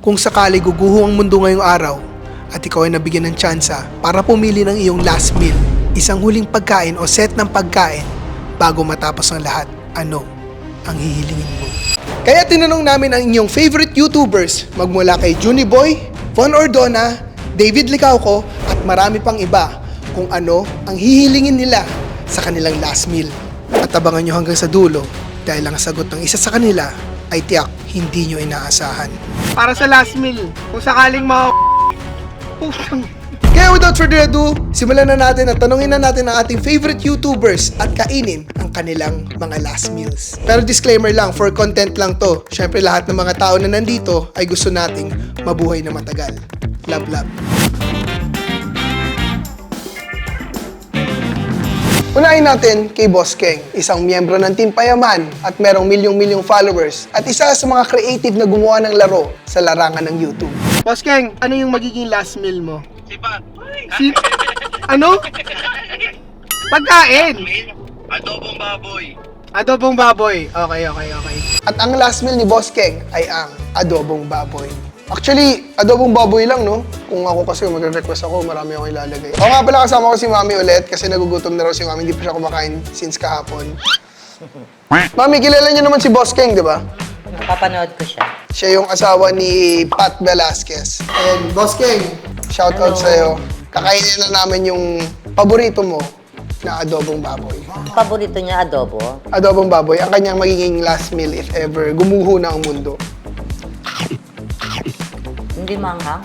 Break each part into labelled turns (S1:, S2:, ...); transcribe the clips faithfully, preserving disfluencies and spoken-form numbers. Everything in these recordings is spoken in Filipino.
S1: Kung sakali guguho ang mundo ngayong araw at ikaw ay nabigyan ng tsansa para pumili ng iyong last meal, isang huling pagkain o set ng pagkain bago matapos ang lahat, ano ang hihilingin mo? Kaya tinanong namin ang inyong favorite YouTubers magmula kay Juniboy, Von Ordona, David Licauco at marami pang iba kung ano ang hihilingin nila sa kanilang last meal. At abangan nyo hanggang sa dulo dahil ang sagot ng isa sa kanila ay tiyak hindi nyo inaasahan. Para sa last meal, kung sakaling mga putang. Kaya without further ado, simulan na natin at tanungin na natin ang ating favorite YouTubers at kainin ang kanilang mga last meals. Pero disclaimer lang, for content lang to. Syempre lahat ng mga tao na nandito ay gusto nating mabuhay na matagal. Love, love. Unahin natin kay Boss Keng, isang miyembro ng Team Payaman at merong milyong-milyong followers at isa sa mga creative na gumawa ng laro sa larangan ng YouTube. Boss Keng, ano yung magiging last meal mo?
S2: Sipat.
S1: Si... Ano? Pagkain!
S2: Adobong baboy.
S1: Adobong baboy. Okay, okay, okay. At ang last meal ni Boss Keng ay ang adobong baboy. Actually, adobong baboy lang, no? Kung ako kasi magre-request ako, marami akong ilalagay. Ako nga pala kasama ko si Mami ulit kasi nagugutom na raw si Mami. Hindi pa siya kumakain since kahapon. Mami, kilala niyo naman si Boss Keng, di ba?
S3: Napapanood ko siya.
S1: Siya yung asawa ni Pat Velasquez. And Boss Keng, shout out sa'yo. Kakainin na namin yung paborito mo na adobong baboy.
S3: Paborito niya adobo.
S1: Adobong baboy, ang kanyang magiging last meal if ever gumuho na ang mundo.
S3: Hindi manghang.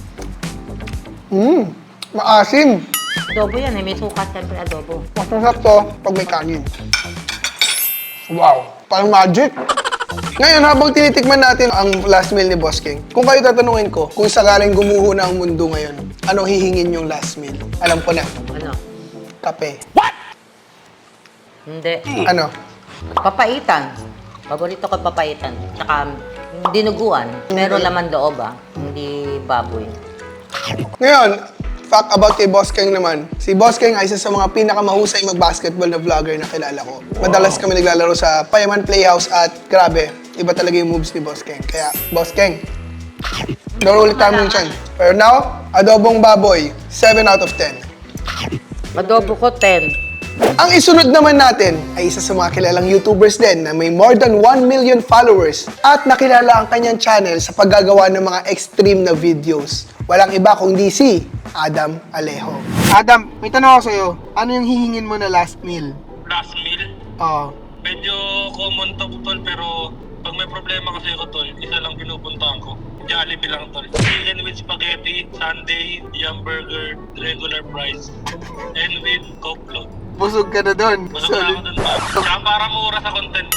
S1: Mmm, maasim.
S3: Adobo yan eh. May sukat siyempre adobo.
S1: Masarap to pag may kanin. Wow, parang magic. Ngayon, habang tinitikman natin ang last meal ni Boss Keng, kung kayo tatanungin ko, kung sakaling gumuho na ang mundo ngayon, anong hihingin yung last meal? Alam ko na.
S3: Ano?
S1: Kape.
S3: Hindi.
S1: Ano?
S3: Papaitan. Paborito ko papaitan. Tsaka dinuguan. Pero laman loob ah. Hindi baboy.
S1: Ngayon, fact about kay Boss Keng naman. Si Boss Keng ay isa sa mga pinakamahusay mag-basketball na vlogger na kilala ko. Madalas kami naglalaro sa Payaman Playhouse at grabe, iba talaga yung moves ni Boss Keng. Kaya, Boss Keng, laro ulit kami yung chan. Pero now, adobong baboy, seven out of ten.
S3: Adobo ko ten.
S1: Ang isunod naman natin ay isa sa mga kilalang YouTubers din na may more than one million followers at nakilala ang kanyang channel sa paggagawa ng mga extreme na videos. Walang iba kundi si Adam Alejo. Adam, may tanong ako sa'yo. Ano yung hihingin mo na last meal?
S2: Last meal.
S1: Oo.
S2: Medyo common to, tol, pero pag may problema kasi ako, tol, isa lang pinupuntahan ko. Jollibee lang, tol. Chicken with spaghetti, sundae, yum burger, regular fries, and with Coke float.
S1: Busog ka na doon.
S2: Busog na ako dun, tol. Kaya para mura sa content.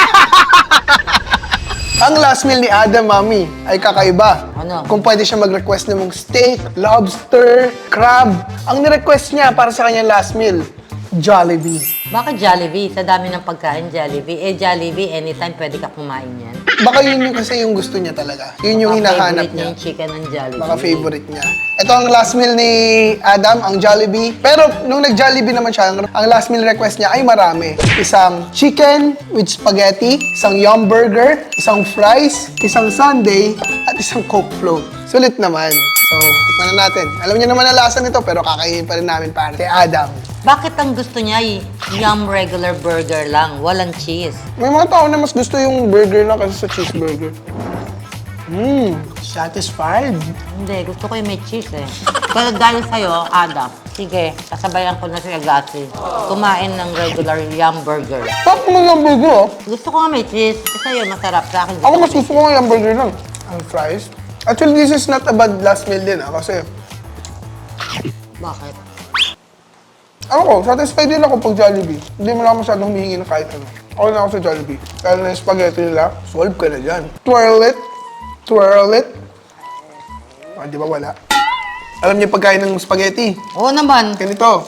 S1: Ang last meal ni Adam, Mami, ay kakaiba.
S3: Ano?
S1: Kung pwede siya mag-request ng mong steak, lobster, crab. Ang ni-request niya para sa kanyang last meal, Jollibee.
S3: Bakit Jollibee? Sa dami ng pagkain, Jollibee. Eh, Jollibee, anytime pwede ka kumain yan.
S1: Baka yun yung kasi yung gusto niya talaga. Yun yung
S3: Baka
S1: hinahanap
S3: favorite
S1: niya.
S3: yung chicken ng Jollibee.
S1: Baka favorite niya. Ito ang last meal ni Adam, ang Jollibee. Pero nung nag-Jollibee naman siya, ang last meal request niya ay marami. Isang chicken with spaghetti, isang yum burger, isang fries, isang sundae, at isang Coke float. Sulit naman. So, tikman na natin. Alam niyo naman ang lasa nito, pero kakainin pa rin namin para kay Adam.
S3: Bakit ang gusto niya y- yum regular burger lang, walang cheese?
S1: May mga tao na mas gusto yung burger na kasi sa cheeseburger. Mmm, satisfied.
S3: Hindi, gusto ko yung may cheese eh. Pero dahil sa'yo, Adam, sige, kasabayan ko na si Agassi. Kumain ng regular yum burger.
S1: Top mo yung burger, oh.
S3: Gusto ko nga may cheese. Kasi sa'yo, masarap sa akin.
S1: Ako mas gusto ko yung burger lang. Ang fries. Actually, this is not a bad last meal din, ah, kasi
S3: Bakit?
S1: ako ko, satisfied din ako pag Jollibee. Hindi mo lang masyadong humihingi ng kahit ano. Ako na ako sa Jollibee. Kaya na yung spaghetti nila, solve ka na dyan. Twirl it. Twirl it. Ah, di ba wala? Alam niyo pagkain ng spaghetti?
S3: Oo naman.
S1: Ganito.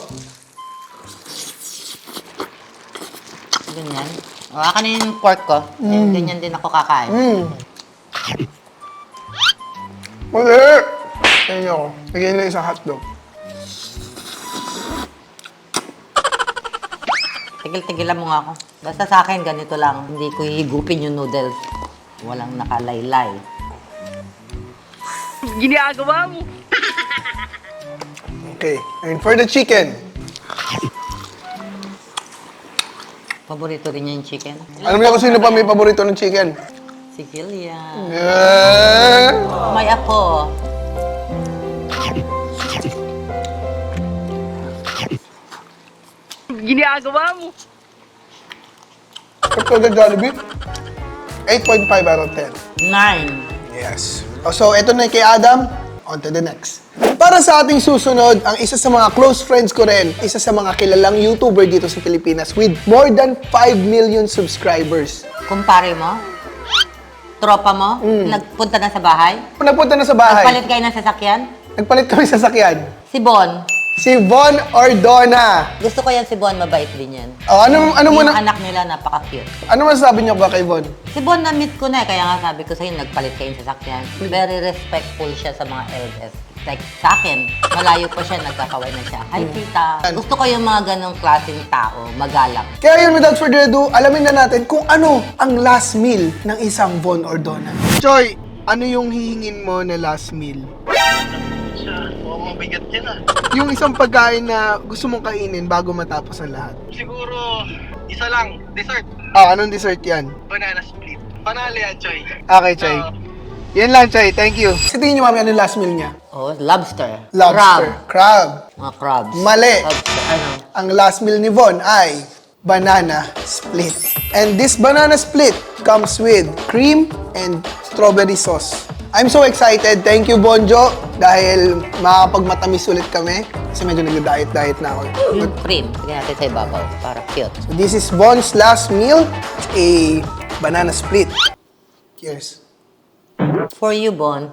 S3: Ganyan. O, akin na yung pork ko. Mm. Ganyan din ako kakain.
S1: Mmm. Mali! Tingnan niyo ako. Lagyan nila isang hotdog.
S3: Tigil-tigilan mo nga ako. Basta sa akin, ganito lang. Hindi ko hihigupin yung noodles. Walang nakalaylay.
S4: Ginagawa mo.
S1: Okay, and for the chicken.
S3: Paborito rin niya yung chicken.
S1: Alam niyo kung sino pa may paborito ng chicken?
S3: Si Gillian.
S1: Yeah.
S3: May ako.
S4: Ginagawa mo.
S1: Ito the Jollibee. eight point five out of ten.
S3: Nine.
S1: Yes. Oh, so, ito na kay Adam. On to the next. Para sa ating susunod, ang isa sa mga close friends ko rin, isa sa mga kilalang YouTuber dito sa Pilipinas with more than five million subscribers.
S3: Kumpare mo? Tropa mo? Nagpunta na sa bahay?
S1: Nagpunta na sa bahay.
S3: Nagpalit kayo ng sasakyan?
S1: Nagpalit kami sa sakyan.
S3: Si Bon.
S1: Si Von Ordona.
S3: Gusto ko yan si Bon, mabait din yan.
S1: Oh, ano, ano mo
S3: yung
S1: na,
S3: anak nila, napaka-cute.
S1: ano masasabi niyo ba kay Von?
S3: Si Bon, na-meet ko na eh. Kaya nga sabi ko sa'yo, nagpalit kayo ng sasakyan. Very respectful siya sa mga elders. Like, sa akin, malayo pa siya, nagkakaway na siya. Hi, tita. Gusto ko yung mga ganong klaseng tao, magalang.
S1: Kaya yun, without further ado, alamin na natin kung ano ang last meal ng isang Von Ordona. Choy, ano yung hihingin mo na last meal?
S2: Siya, mukhang mabigat yan ah.
S1: Yung isang pagkain na gusto mong kainin bago matapos ang lahat.
S2: Siguro, isa lang, dessert.
S1: Ah, anong dessert yan?
S2: Banana split. Panalo yan, Choy.
S1: Okay, Choy.
S2: So,
S1: Yan lang, Choy. Thank you. Sa tingin niyo, mami, ano yung last meal niya?
S3: Oh, lobster.
S1: Lobster.
S3: Crab.
S1: Crab.
S3: Mga crabs.
S1: Mali.
S3: Lobster. Ano?
S1: Ang last meal ni Von ay banana split. And this banana split comes with cream and strawberry sauce. I'm so excited. Thank you, Bonjo. Dahil makakapagmatamis ulit kami. Kasi medyo nag-diet-diet na ako.
S3: Yung cream. Tignan natin sa ibabaw. Para cute.
S1: So this is Von's last meal. A banana split. Cheers.
S3: For you, Bon.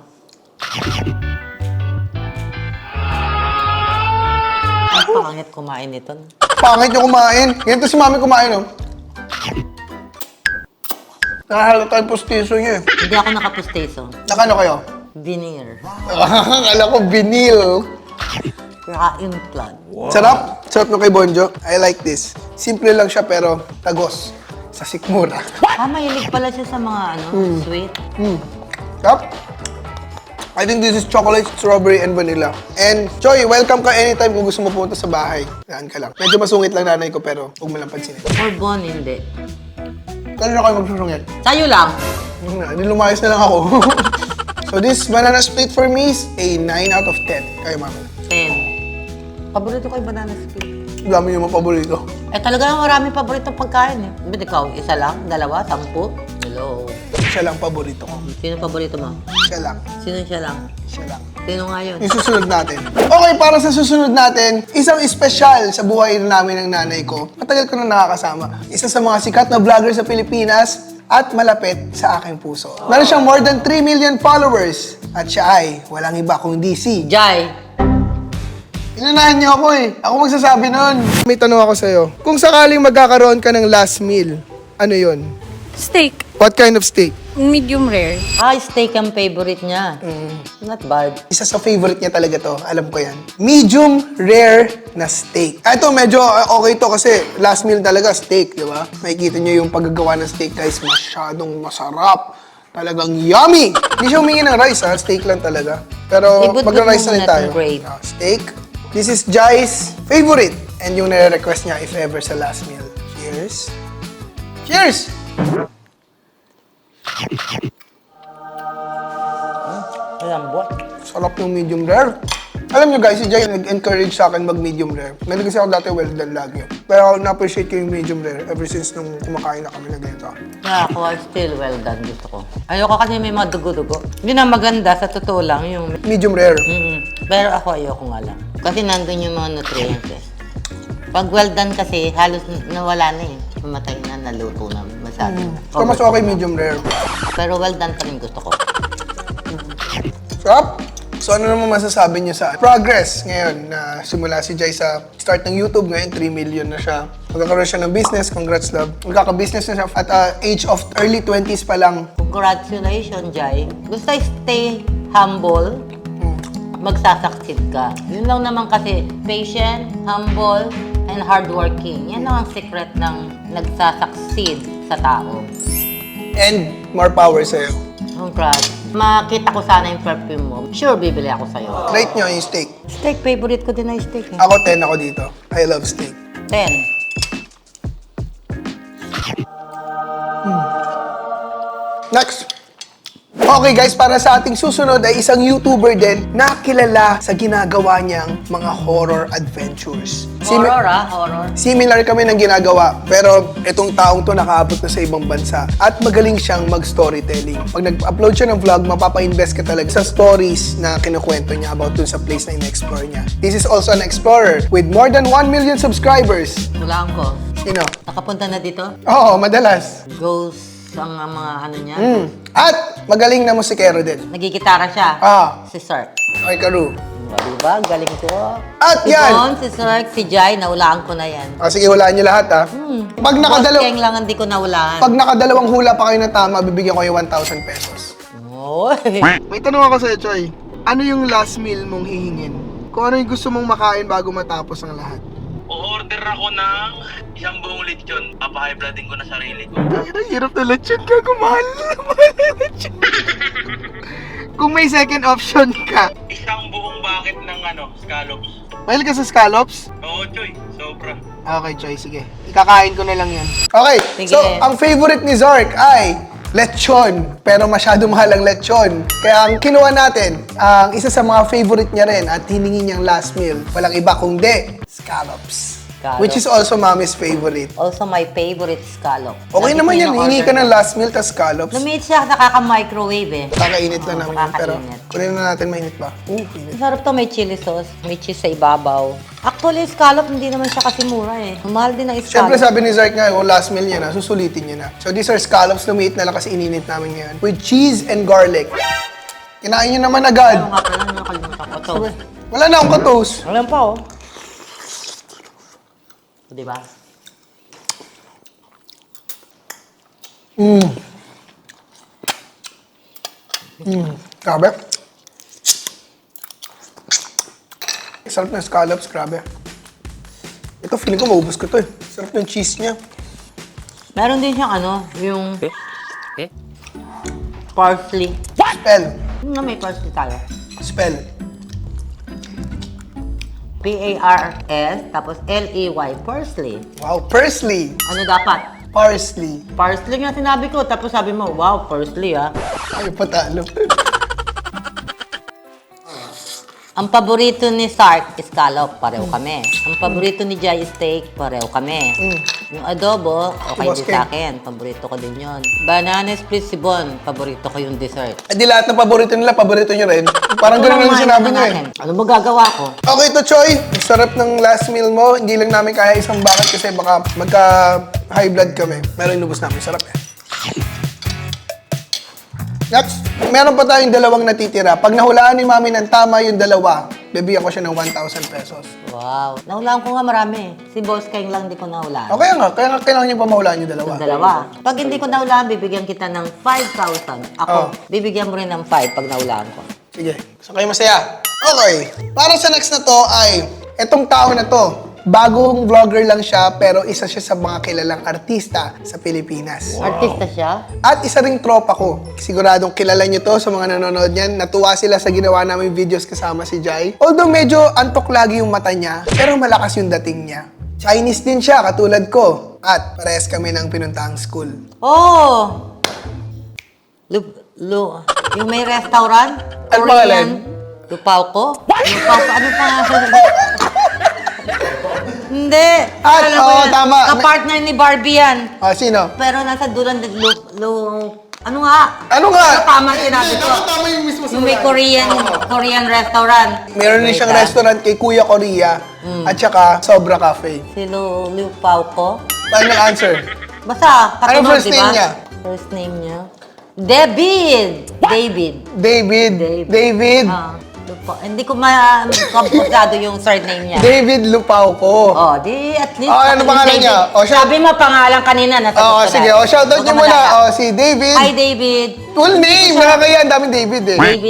S3: Ang pangit kumain nito.
S1: Pangit yung kumain. Ganito si mami kumain, oh. Nakahalata yung pustiso niya, eh.
S3: Hindi ako nakapusteso.
S1: Nakano kayo?
S3: Veneer.
S1: Akala ko vinil.
S3: Ka-implant.
S1: Sarap. Sarap nung kay Bonjo. I like this. Simple lang siya pero tagos. Sa sikmura.
S3: Ah, mahilig pala siya sa mga ano, sweet.
S1: Mm. Sarap. I think this is chocolate, strawberry, and vanilla. And, Choy, welcome ka anytime kung gusto mo pumunta sa bahay. Yan ka lang. Medyo masungit lang nanay ko pero huwag mo lang pansinin.
S3: For Bon, hindi.
S1: Kailan na kayo magsusungit?
S3: Sa'yo lang.
S1: Yun na, Hindi lumayas na lang ako. So this banana split for me is a nine out of ten. Kayo, mami.
S3: Ten. Paborito ko yung banana split.
S1: Dami yung mga paborito.
S3: Eh talaga maraming paborito pagkain eh. Ba't ikaw, isa lang, dalawa, sampu? Hello.
S1: Siya lang paborito ko.
S3: Sino paborito mo?
S1: Siya lang.
S3: Sino siya lang?
S1: Siya lang.
S3: Sino nga yun?
S1: Yung susunod natin. Okay, para sa susunod natin, isang espesyal sa buhay namin ng nanay ko. Matagal ko na nakakasama. Isa sa mga sikat na vlogger sa Pilipinas at malapit sa aking puso. Meron siyang more than three million followers. At siya ay walang iba kundi si...
S3: Jai.
S1: Inunahan niyo ako eh. Ako magsasabi nun. May tanong ako sa'yo. Kung sakaling magkakaroon ka ng last meal, ano yun?
S5: Steak.
S1: What kind of steak?
S5: Medium rare.
S3: Ay, steak ang favorite niya. Not bad.
S1: Isa sa favorite niya talaga to. Alam ko yan. Medium rare na steak. Ah, ito, medyo uh, okay to kasi last meal talaga steak, di ba? Makikita niyo yung paggagawa ng steak, guys. Masyadong masarap. Talagang yummy! Hindi siya humingi ng rice, ha? Steak lang talaga. Pero
S3: Ibut-but
S1: magra-rice na
S3: mo
S1: rin
S3: muna
S1: tayo.
S3: itong gravy.
S1: Ah, steak. This is Jai's favorite. And yung nare-request niya if ever sa last meal. Cheers. Cheers!
S3: Malambot.
S1: Sarap ng medium rare. Alam nyo guys, si Jai nag-encourage sa akin mag-medium rare. Meron kasi ako dati well done lagi. Pero na-appreciate ko yung medium rare ever since nung kumakain na kami na ganito.
S3: Kaya ako ay still well done gusto ko. Ayoko kasi may mga dugo-dugo. Hindi na maganda sa totoo lang yung...
S1: Medium rare.
S3: Mm, pero ako ayoko nga lang. Kasi nandun yung mga nutrients eh. Pag well done kasi, halos nawala na eh. Mamatay na, naluto na, masyado na.
S1: So mas okay medium rare.
S3: Pero well done pa rin gusto ko.
S1: Sarap! So ano naman masasabi niyo sa progress ngayon na simula si Jai sa start ng YouTube ngayon, three million na siya. Magkakaroon siya ng business, congrats love. Magkaka-business na siya at uh, age of early twenties pa lang.
S3: Congratulations, Jai. Basta stay humble, magsasucceed ka. Yun lang naman kasi, patient, humble, and hardworking. Yan lang ang secret ng nagsasucceed sa tao.
S1: And more power sa'yo.
S3: Congrats. makita ko sana yung perfume mo, sure, bibili ako sa'yo.
S1: Rate nyo yung steak.
S3: Steak, favorite ko din na yung steak. Eh.
S1: Ako ten ako dito. I love steak.
S3: Ten.
S1: Next. Okay guys, para sa ating susunod ay isang YouTuber din na kilala sa ginagawa niyang mga horror adventures. Simi-
S3: Horror ah, horror.
S1: Similar kami ng ginagawa, pero itong taong to nakaabot na sa ibang bansa at magaling siyang mag-storytelling. Pag nag-upload siya ng vlog, mapapa-invest ka talaga sa stories na kinukwento niya about dun sa place na in-explore niya. This is also an explorer with more than one million subscribers.
S3: Hulaan ko.
S1: Sino?
S3: Nakapunta na dito?
S1: Oo, madalas.
S3: Ghost ang uh, mga ano niya.
S1: Mm. At magaling na musikero din.
S3: Nagigitara siya.
S1: Ah.
S3: Si Sir.
S1: Okay, Karu.
S3: O, diba? Ang galing ko.
S1: At
S3: Si
S1: yan!
S3: Bon, si Sir, si Jai, naulaan ko na yan.
S1: Ah, sige, hulaan niyo lahat ha.
S3: Hmm.
S1: Pag
S3: Boss
S1: nakadalaw
S3: Keng lang hindi ko naulaan.
S1: pag nakadalawang hula pa kayo na tama, bibigyan ko kayo one thousand pesos.
S3: Oy.
S1: May tanong ako sa'yo, Choy. Ano yung last meal mong hihingin? Kung ano yung gusto mong makain bago matapos ang lahat?
S2: O-order ako ng isang buong lechon. Papahigh blooding ko na sarili ko.
S1: Ang hirap na lechon ka, kumahal mahal na lechon. Kung may second option ka,
S2: Isang buong bucket ng ano, scallops.
S1: mahilig ka sa scallops?
S2: Oo, Choy. Sobra.
S1: Okay, Choy, sige. Ikakain ko na lang yan. Okay,
S3: Sige.
S1: so ang favorite ni Zark ay lechon. Pero masyado mahal ang lechon. Kaya ang kinuha natin, ang isa sa mga favorite niya rin at hiningi niyang last meal, walang iba kundi scallops.
S3: Scallops.
S1: Which is also mommy's favorite.
S3: Also, my favorite scallop.
S1: Okay
S3: Lagi
S1: naman
S3: ko
S1: yan,
S3: in-order
S1: hingi ka ng
S3: na.
S1: last meal, tas scallops.
S3: Lumiit siya, nakaka-microwave eh.
S1: Kakainit lang
S3: Oo,
S1: namin yun, pero
S3: nakakainit.
S1: kunin na natin mainit pa. Uh, init.
S3: Masarap to, may chili sauce, may cheese sa ibabaw. Actually, scallop, hindi naman siya kasi mura eh. Mahal din ang
S1: Siyempre
S3: scallop.
S1: sabi ni Zark nga, yung last meal niya na, susulitin niya na. So these are scallops, lumiit na lang kasi ininit namin ngayon. With cheese and garlic. Kinain niyo naman agad.
S3: Ano nga pala, nakalimutan ko to.
S1: Wala na akong katos.
S3: Alam pa oh. Diba?
S1: Mm. Mm. Grabe. Sarap ng scallops, grabe. Ito, feeling ko maubos ko to eh. Sarap ng cheese niya.
S3: Meron din siyang ano, yung parsley.
S1: Spell.
S3: Yung na may parsley tayo.
S1: Spell.
S3: P A R S, tapos L E Y, parsley.
S1: Wow, parsley.
S3: Ano dapat?
S1: Parsley.
S3: Parsley nga sinabi ko, tapos sabi mo, wow, parsley ah.
S1: Ay, patalo.
S3: Ang paborito ni Sark, scallop, pareho kami. Ang paborito ni Jai, steak, pareho kami.
S1: Mm.
S3: Yung adobo, okay
S1: Boss
S3: din
S1: Ken.
S3: sa akin. Paborito ko din yun. Banana split sibon, paborito ko yung dessert.
S1: Eh di lahat ng paborito nila, paborito nyo rin. Parang ganun lang sinabi nyo eh.
S3: Ano ba gagawa ko?
S1: Okay to, Choy. Ang sarap ng last meal mo. Hindi lang namin kaya isang bucket kasi baka magka high blood kami. Pero inubos namin. Sarap eh. Next, meron pa tayong dalawang natitira. Pag nahulaan ni Mami ng tama yung dalawa, bibigyan ko siya ng one thousand pesos.
S3: Wow. Nahulaan ko nga marami. Si Boss Keng lang di ko nahulaan.
S1: Okay nga, kaya nga kailangan niyo pa mahulaan yung dalawa.
S3: Yung dalawa. Pag hindi ko nahulaan, bibigyan kita ng five thousand. Ako,
S1: Oh.
S3: bibigyan mo rin ng five pag nahulaan ko.
S1: Sige, so kayo masaya. Okay, para sa next na to ay, etong tao na to, bagong vlogger lang siya pero isa siya sa mga kilalang artista sa Pilipinas.
S3: Artista siya?
S1: At isa ring tropa ko. Siguradong kilala nyo to sa mga nanonood niyan. Natuwa sila sa ginawa namin videos kasama si Jai. Although medyo antok lagi yung mata niya, pero malakas yung dating niya. Chinese din siya, katulad ko. At parehas kami ng pinuntahang school.
S3: Oh! Lu, lu, yung may restaurant?
S1: Ano pangalan?
S3: Lupaw ko? Lupaw ko? Ano pa? Hindi.
S1: At,
S3: Alam ko
S1: oo,
S3: yan.
S1: tama.
S3: Kapartner ni Barbie yan.
S1: Ah, sino?
S3: Pero nasa dulan, lu, lu, ano nga?
S1: Ano nga?
S3: Ano tama sinabi ko?
S1: Tama, tama yung mismo
S3: Yung may Korean, Korean restaurant.
S1: Meron din siyang
S3: Wait, ah.
S1: restaurant kay Kuya Korea at saka Sobra Cafe.
S3: Si Lu, Lupaw ko?
S1: Final answer.
S3: Basta, katunod,
S1: Ano first
S3: diba?
S1: name niya?
S3: First name niya? David! David.
S1: David.
S3: David.
S1: David.
S3: Ah, Lupaw. Hindi ko ma-komputado yung surname niya.
S1: David Lupao ko.
S3: Oh, di at least.
S1: Oh, ano pangalan
S3: David.
S1: niya? Oh, siya-
S3: Sabi mo pangalan kanina. Nasa
S1: Oo, sige. O, shoutout niyo muna. O, si David.
S3: Hi, David.
S1: Full name. Nakakaya. Ang daming David eh.
S3: David.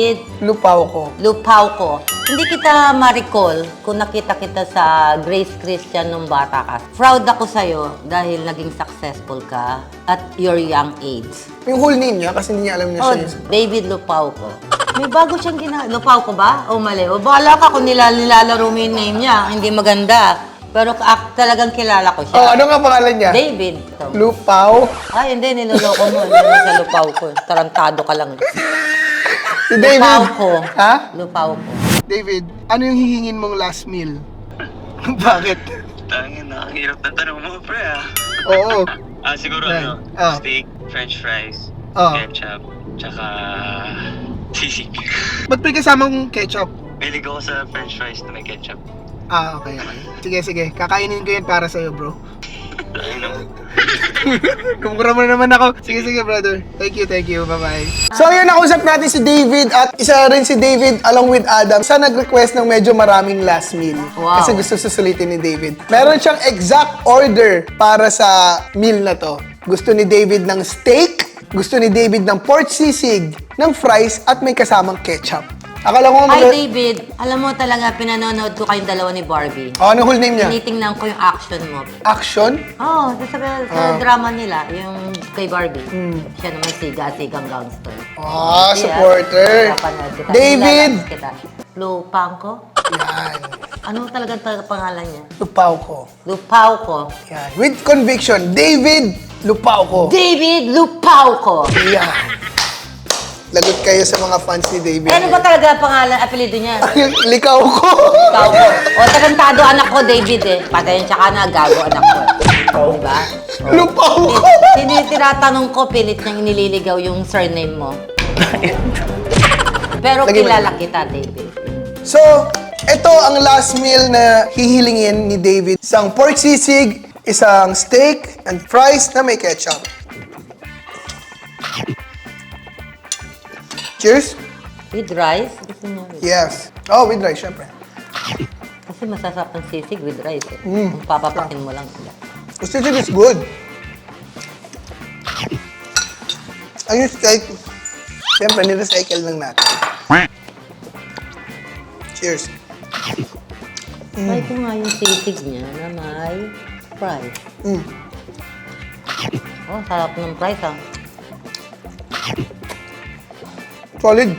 S1: Lupaw ko.
S3: Lupaw ko. Hindi kita ma-recall kung nakita kita sa Grace Christian nung bata ka. Proud ako sa'yo dahil naging successful ka at your young age.
S1: Yung whole name niya, kasi hindi niya alam niya
S3: Oh,
S1: siya.
S3: David Lupaw ko. May bago siyang gina... Lupaw ko ba? O mali? O bahala ka kung nila nilalaro mo yung name niya. Hindi maganda. Pero ak talagang kilala ko siya.
S1: Oh, ano nga pangalan niya?
S3: David. So,
S1: Lupaw.
S3: ay, hindi. Niloloko mo. Hindi mo sa Lupaw ko. Tarantado ka lang.
S1: Si David.
S3: Lupaw ko.
S1: Ha?
S3: Lupaw ko.
S1: David, ano yung hihingin mong last meal? Bakit?
S5: Tangin, nakakahirap na tanong mo, pre, ah.
S1: Oo.
S5: Ah, siguro
S1: Right.
S5: ano,
S1: Ah.
S5: steak, french fries,
S1: Ah.
S5: ketchup, tsaka sisig.
S1: Ba't may kasamang ketchup?
S5: Bilig ako sa french fries na may ketchup.
S1: Ah, okay, okay. Sige, sige. Kakainin ko yan para sa'yo, bro.
S5: Tangin naman.
S1: Kumukura mo na naman ako. Sige, sige, brother. Thank you, thank you. Bye-bye. So, yun, nakusap natin si David at isa rin si David along with Adam sa nag-request ng medyo maraming last meal.
S3: Wow.
S1: Kasi gusto susulitin ni David. Meron siyang exact order para sa meal na to. Gusto ni David ng steak, gusto ni David ng pork sisig, ng fries, at may kasamang ketchup. Akala ko
S3: Hi,
S1: mag-
S3: David. Alam mo talaga, pinanonood ko kayong dalawa ni Barbie.
S1: Oh, ano whole name niya?
S3: Tinitingnan ko yung action mo.
S1: Action?
S3: Oo, oh, sa, sa
S1: Ah.
S3: drama nila, yung kay Barbie. Siya naman siga-sigang gangster.
S1: Ah,
S3: Yeah.
S1: supporter.
S3: Napanood kita.
S1: David!
S3: Nilalabas kita. Lupang ko?
S1: Yan.
S3: Ano talagang talaga pangalan niya?
S1: Lupaw ko.
S3: Lupaw ko.
S1: Yan. With conviction, David Lupaw ko.
S3: David Lupaw ko!
S1: Yan. Lagot kayo sa mga fans ni David.
S3: Eh, ano ba talaga pangalan, apelido niya?
S1: Likaw ko.
S3: Lupaw ko. O, tarantado anak ko, David eh. Patayin siya ka na, gago anak ko. Diba?
S1: Lupaw ko.
S3: Tin- Tinatanong ko, pilit niyang nililigaw yung surname mo. Pero
S1: Lagay mo
S3: kilala kita, David.
S1: So, ito ang last meal na hihilingin ni David. Isang pork sisig, isang steak, and fries na may ketchup. Cheers.
S3: With rice? Gusto niya with
S1: Yes. Oh, with rice, syempre.
S3: Kasi masasarap ng sisig with rice eh.
S1: Mm.
S3: Kung papapakin mo lang sila.
S1: The sisig is good. Ang yung steak, syempre, nirecycle lang natin. Cheers.
S3: Try ko nga yung sisig niya na may fries.
S1: Mm.
S3: Oh, sarap ng fries ah.
S1: Solid.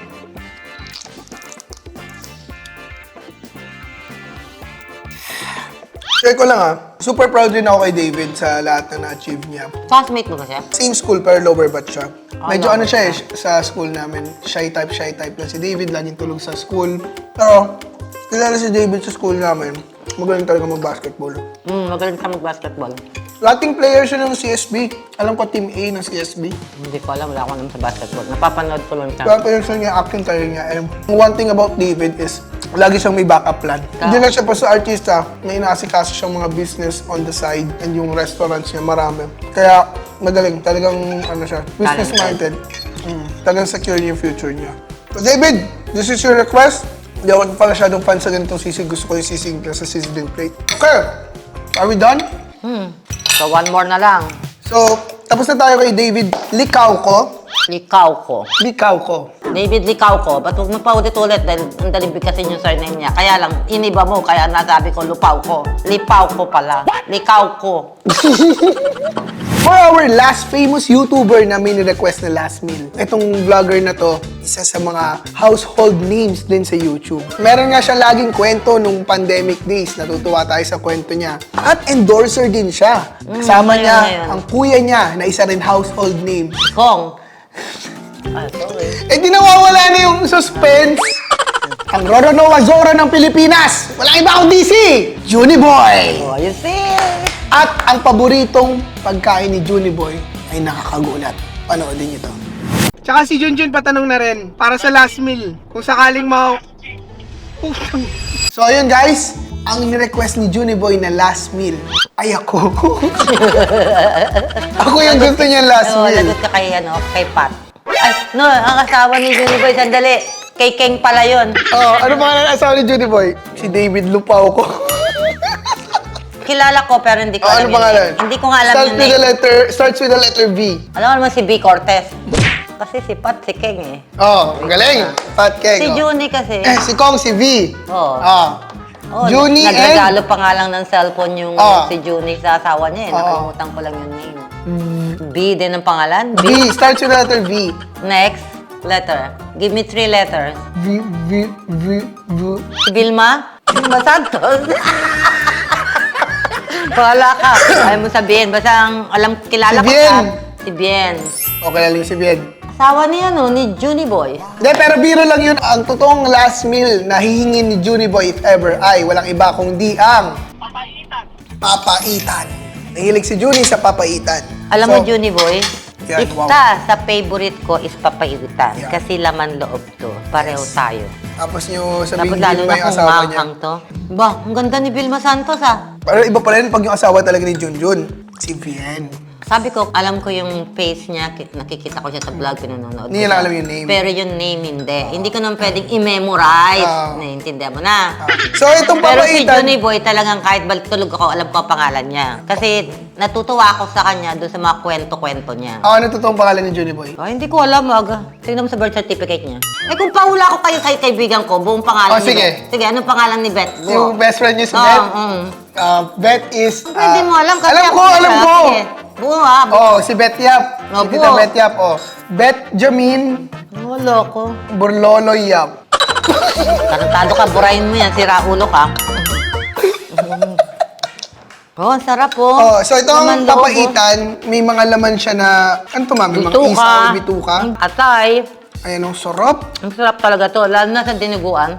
S1: Share ko lang ah, super proud din ako kay David sa lahat na na-achieve niya.
S3: Classmate mo ba siya?
S1: Same school pero lower batch siya. Medyo
S3: lower
S1: ano siya eh, sa school namin, shy type, shy type lang si David, laging tulog sa school. Pero, kilala si David sa school namin, magaling talaga mag-basketball.
S3: Hmm, magaling ka mag-basketball.
S1: Lating player siya ng C S B. Alam ko, Team A ng C S B.
S3: Hindi ko alam, wala ako naman sa basketball. Napapanood ko lang siya.
S1: Kaya pero siya niya, acting career niya. And one thing about David is, lagi siyang may backup plan. Hindi lang siya pa sa artista, may inaasikaso siyang mga business on the side and yung restaurants niya, marami. Kaya, magaling. Talagang, ano siya, business-minded. Mm, talagang secure yung future niya. So, David, this is your request. Hindi ako pala masyadong fan sa ganitong sisig. Gusto ko yung sisig na sa sizzling plate. Okay, are we done?
S3: Hmm. So, one more na lang.
S1: So, tapos na tayo kay David Likaw ko.
S3: Likaw ko.
S1: Likaw ko.
S3: David Likaw ko. Ba't huwag mo pa ulit-ulit dahil ang daling bigkasin yung surname niya. Kaya lang, iniba mo. Kaya nasabi ko, lupaw ko. Lipaw ko pala. Likaw ko.
S1: For our last famous YouTuber na may request na last meal. Itong vlogger na to, isa sa mga household names din sa YouTube. Meron nga siya laging kwento nung pandemic days. Natutuwa tayo sa kwento niya. At endorser din siya. Kasama
S3: ayun,
S1: niya
S3: ayun.
S1: ang kuya niya na isa rin household name.
S3: Kong. Ay, sorry.
S1: Eh di nawawala na yung suspense. Ang Roro Noah Zoro ng Pilipinas. Walang iba kundi si Juniboy.
S3: Oh, you see?
S1: At ang paboritong pagkain ni Juniboy ay nakakagulat. Panoodin niyo to. Tsaka si Junjun patanong na rin, para sa last meal, kung sakaling ma... So ayun guys, ang ni-request ni Juniboy na last meal ay ako. Ako yung gusto niya last
S3: Oo,
S1: meal.
S3: lagot ka kay, ano, kay Pat. Ay, no, ang asawa ni Junior Boy, sandali. Kay Keng pala yun.
S1: Oh, ano pangalan ng asawa ni Juniboy? Si David Lupaw ko.
S3: Kilala ko, pero hindi ko
S1: Oh,
S3: alam
S1: ano
S3: yung
S1: pangalan?
S3: name. Hindi ko nga alam
S1: Starts
S3: yung
S1: with the
S3: name.
S1: letter, starts with the letter V.
S3: Alam mo naman si B. Cortez. Kasi si Pat, si Keng eh.
S1: Oh, ang galing. Fat Keg.
S3: Si
S1: oh.
S3: Junie kasi.
S1: Eh, si Kong, si V.
S3: Oo.
S1: Ah.
S3: Oh,
S1: Junie and...
S3: nagregalo pa nga lang ng cellphone yung
S1: Oh.
S3: si Junie sa asawa niya eh.
S1: Oo.
S3: Nakalimutan ko lang yung name. B din ang pangalan?
S1: V. Starts with the letter V.
S3: Next letter. Give me three letters.
S1: V, V, V, V.
S3: Si Vilma? Vilma Santos? Wala ka. Ayaw mo sabihin. Basta ang alam, kilala
S1: Si
S3: ko
S1: Bien.
S3: siya. Si Bien.
S1: Okay, lalim si Bien.
S3: Asawa niya, no? Ni Junie Boy.
S1: Hindi, pero biro lang yun. Ang totoong last meal na hihingin ni Junie Boy if ever ay walang iba kundi ang...
S2: Papaitan.
S1: Papaitan. Nahilig si Junie sa papaitan.
S3: Alam
S1: So,
S3: mo, Junie Boy,
S1: Yan,
S3: isa
S1: wow.
S3: sa favorite ko is papaitan.
S1: Yan.
S3: Kasi laman loob to. Pareho tayo.
S1: Tapos nyo
S3: Tapos
S1: sabihin
S3: lalo
S1: din
S3: na
S1: ba yung
S3: kung
S1: asawa niya?
S3: manghang to. Ba, ang ganda ni Vilma Santos ah.
S1: Pero iba pa rin pag yung asawa talaga ni Junjun. Si Vien.
S3: Sabi ko, alam ko yung face niya, ki- nakikita ko siya sa vlog, pinanonood ko
S1: Hindi niya lang
S3: siya.
S1: alam yung name.
S3: Pero yung name hindi. Hindi ko naman pwedeng i-memorize.
S1: Ah.
S3: Naiintindihan mo na.
S1: So itong
S3: Pero si
S1: papaitan...
S3: Johnny Boy talagang kahit balik tulog ako, alam ko ang pangalan niya. Kasi natutuwa ako sa kanya doon sa mga kwento-kwento niya.
S1: Ako, ano totoong pangalan ni Junie Boy?
S3: Ay, hindi ko alam, aga. Tingnan mo sa birth certificate niya. Eh, kung paula ko kayo kay kaibigan ko, buong pangalan
S1: Oh,
S3: ni
S1: sige.
S3: Beth. Sige, anong pangalan ni Beth? Go.
S1: Yung best friend niyo si
S3: Oh,
S1: Beth?
S3: mm.
S1: Uh, Beth is...
S3: Pero hindi
S1: ah,
S3: mo alam kasi
S1: alam
S3: ako
S1: ko, alam
S3: siya.
S1: ko!
S3: Sige. Buo ha, buo.
S1: Oh, si Beth Yap.
S3: Oh,
S1: si Tita
S3: buo.
S1: Beth Yap, oh. Beth Jamin
S3: Wala ko.
S1: Burlolo Yap.
S3: Tarantado ka, burahin mo yan, sira ulo ka. Oh, ang sarap po.
S1: Oh, so ito ang
S3: Laman loob, oh.
S1: papaitan, may mga laman siya na... Ano to, mami? Mga
S3: Bituka.
S1: isaw, bituka.
S3: Atay.
S1: Ayan, ang sarap.
S3: Ang sarap talaga to, lalo na sa dinuguan.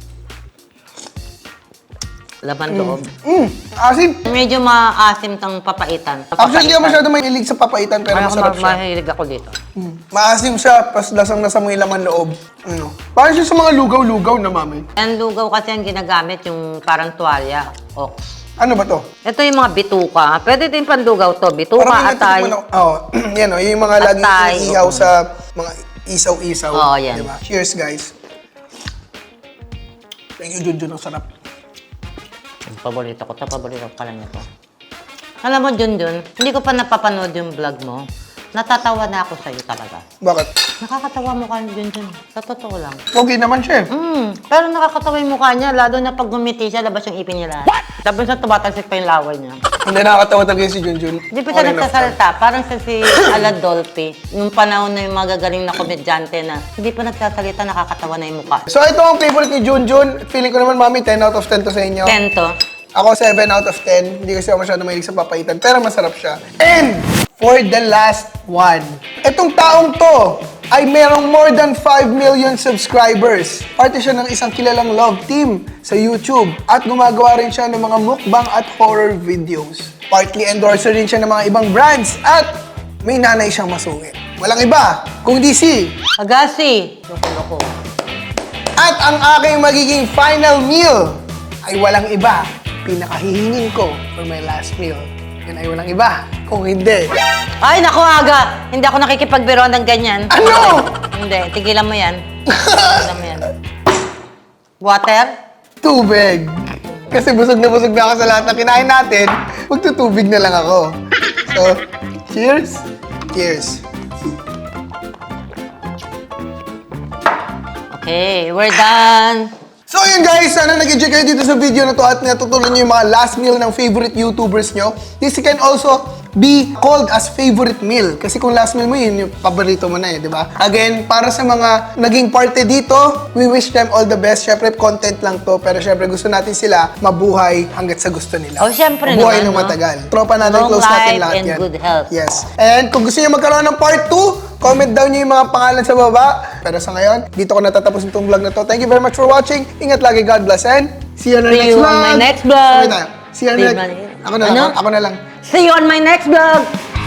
S3: Laman loob.
S1: Mm, asin.
S3: Medyo maasim tang papaitan.
S1: Actually, hindi ako masyado mahilig sa papaitan, pero
S3: Ay, ako
S1: masarap
S3: ma-
S1: siya.
S3: mahilig ako dito.
S1: Mm. Maasim siya, pas lasang-lasa mo yung laman loob. Ano? Parang siya sa mga lugaw-lugaw na, mami.
S3: Ang lugaw kasi ang ginagamit yung parang tuwalya. O.
S1: Ano ba to?
S3: Ito yung mga bituka. Pwede din panlugaw to. Bituka,
S1: Parang may
S3: atay.
S1: natitikman ako- Oo. yan o, yung mga laging
S3: Atay,
S1: iniihaw
S3: oo.
S1: sa mga isaw-isaw.
S3: Oo, yan.
S1: Diba? Cheers, guys. Thank you, Junjun. Ang sarap.
S3: Ang paborito ko to. Paborito ko pala niya to. Alam mo, Junjun, hindi ko pa napapanood yung vlog mo. Natatawa na ako sa'yo talaga.
S1: Bakit?
S3: Nakakatawa mukha ni Junjun. Sa totoo lang.
S1: Pogi naman siya eh.
S3: Mm, pero nakakatawa yung mukha niya, lalo na pag gumiti siya, labas yung ipin niya lahat. What? Tapos na tumatalsik pa yung laway niya.
S1: Hindi nakakatawa talaga si Junjun.
S3: Hindi pa siya nagsasalita. Parang sa si Aladolfi, nung panahon na yung magagaling na komedyante na hindi pa nagsasalita, nakakatawa na yung mukha.
S1: So ito ang favorite ni Junjun. Feeling ko naman, mami, ten out of ten to sa inyo.
S3: Kento.
S1: Ako, seven out of ten. Hindi kasi ako masyado mahilig sa papaitan, pero masarap siya. And for the last one, itong taong to ay merong more than five million subscribers. Parte siya ng isang kilalang love team sa YouTube at gumagawa rin siya ng mga mukbang at horror videos. Partly endorser rin siya ng mga ibang brands at may nanay siyang masungit. Walang iba, kundi si...
S3: Agassi. Loko-loko.
S1: At ang aking magiging final meal ay walang iba. Pinakahihingin ko for my last meal. Yan ay walang iba. Kung hindi,
S3: Ay, naku, Aga. Hindi ako nakikipagbiro ng ganyan.
S1: ano?
S3: Hindi, tigilan mo yan. Tigilan mo yan. Water?
S1: Tubig. Kasi busog na busog na ako sa lahat ng kinain natin. Magtutubig na lang ako. So, cheers. Cheers.
S3: Okay, we're done.
S1: So yun guys, sana nag-enjoy kayo dito sa video na to at natutunan nyo yung mga last meal ng favorite YouTubers nyo. This can also be called as favorite meal. Kasi kung last meal mo yun, yung paborito mo na eh, di ba? Again, para sa mga naging parte dito, we wish them all the best. Syempre, content lang to, pero syempre gusto natin sila mabuhay hanggat sa gusto nila.
S3: Oh, syempre
S1: mabuhay ng
S3: naman, no?
S1: matagal. Tropa natin,
S3: Long
S1: close natin
S3: life
S1: lahat
S3: and
S1: yan.
S3: good health.
S1: Yes. And kung gusto nyo magkaroon ng part two, comment down nyo yung mga pangalan sa baba. Pero sa ngayon, dito ko natatapos itong vlog na to. Thank you very much for watching. Ingat lagi, God bless, and see you on our
S3: See
S1: next
S3: you
S1: vlog.
S3: on my next vlog.
S1: Sabay tayo. See you on
S3: See
S1: the
S3: you
S1: next...
S3: on-
S1: Ako na lang,
S3: Ano?
S1: ako na lang.
S3: See you on my next vlog.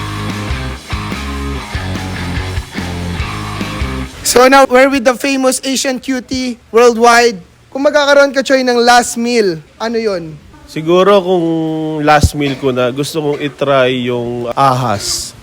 S1: So now, we're with the famous Asian cutie worldwide. Kung magkakaroon ka, Choy, ng last meal, ano yon?
S6: Siguro kung last meal ko na, gusto kong itry yung ahas.